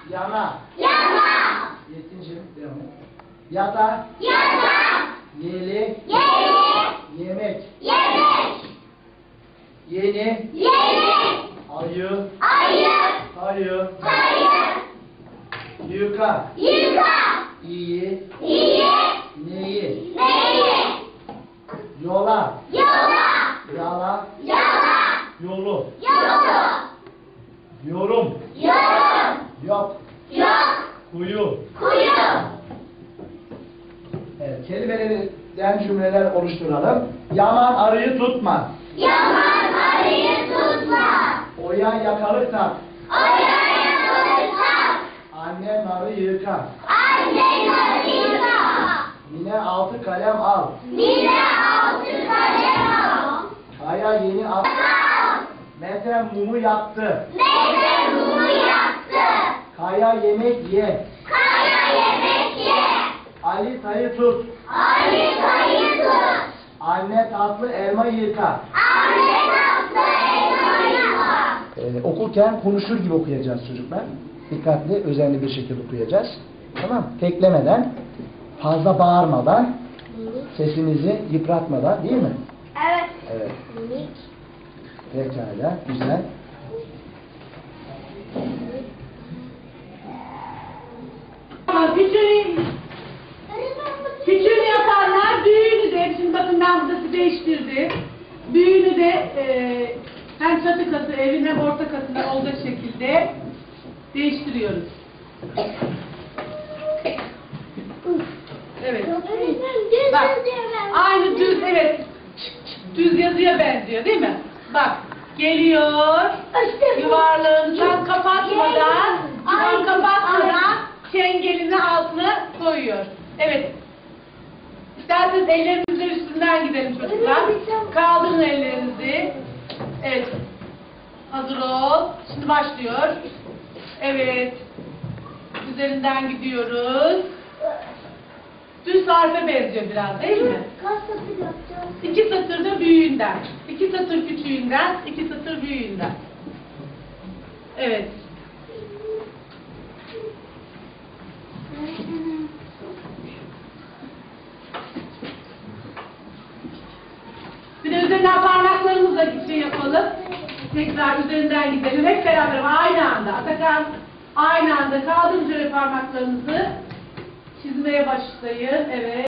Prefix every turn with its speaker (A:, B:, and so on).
A: Yana.
B: Yana.
A: Yetincim. Devam et. Yata.
B: Yata.
A: Yeli.
B: Yeli.
A: Yemek.
B: Yemek.
A: Yeni.
B: Yeni.
A: Ayı.
B: Ayı.
A: Ayı.
B: Ayı.
A: Yuka.
B: Yuka.
A: İyi.
B: İyi.
A: Neyi.
B: Neyi.
A: Yola.
B: Yola.
A: Yala.
B: Yola.
A: Yolu.
B: Yolu.
A: Yorum.
B: Yorum.
A: Yok.
B: Yok.
A: Kuyu.
B: Kuyu.
A: Evet, kelimelerden cümleler oluşturalım. Yaman arıyı tutma.
B: Yaman arıyı tutma.
A: Oya yakalık tak.
B: Oraya tutma.
A: Anne narı yıka.
B: Anne arıyla.
A: Yine 6 kalem al.
B: Bire 6 kalem al.
A: Kaya yeni at.
B: Al.
A: Mete mumu yaktı.
B: Meyve mumu yaktı.
A: Kaya yemek ye.
B: Kaya yemek ye.
A: Ali tayı tut.
B: Ali sayı tut.
A: Anne tatlı elma yıka.
B: Anne tatlı elma yıka.
A: Okurken konuşur gibi okuyacağız çocuklar. Dikkatli, özenli bir şekilde okuyacağız. Tamam, teklemeden, fazla bağırmadan, sesinizi yıpratmadan, değil mi?
B: Evet.
A: Evet. Pekala, güzel.
C: Küçüğünü yapanlar büyüğünü de, şimdi bakın ben burada size değiştirdim. Büyüğünü de hem çatı katı evin hem orta katında olacak şekilde değiştiriyoruz. Evet. Bak, aynı düz, evet. Düz yazıya benziyor değil mi? Bak, geliyor, yuvarlağını tam kapatmadan, çengelini altına koyuyor. Evet. İsterseniz ellerinizle üstünden gidelim çocuklar. Kaldırın ellerinizi. Evet. Hazır ol. Şimdi başlıyor. Evet. Üzerinden gidiyoruz. Düz harfe benziyor biraz değil mi?
B: Kaç satır yapacağız?
C: 2 satır da büyüğünden. 2 satır küçüğünden, 2 satır büyüğünden. Evet. Bir de üzerinden parmaklarımızla şey yapalım. Tekrar üzerinden gidelim. Hep beraber aynı anda. Atakan aynı anda kaldırın şöyle parmaklarınızı. Çizmeye başlayın. Evet.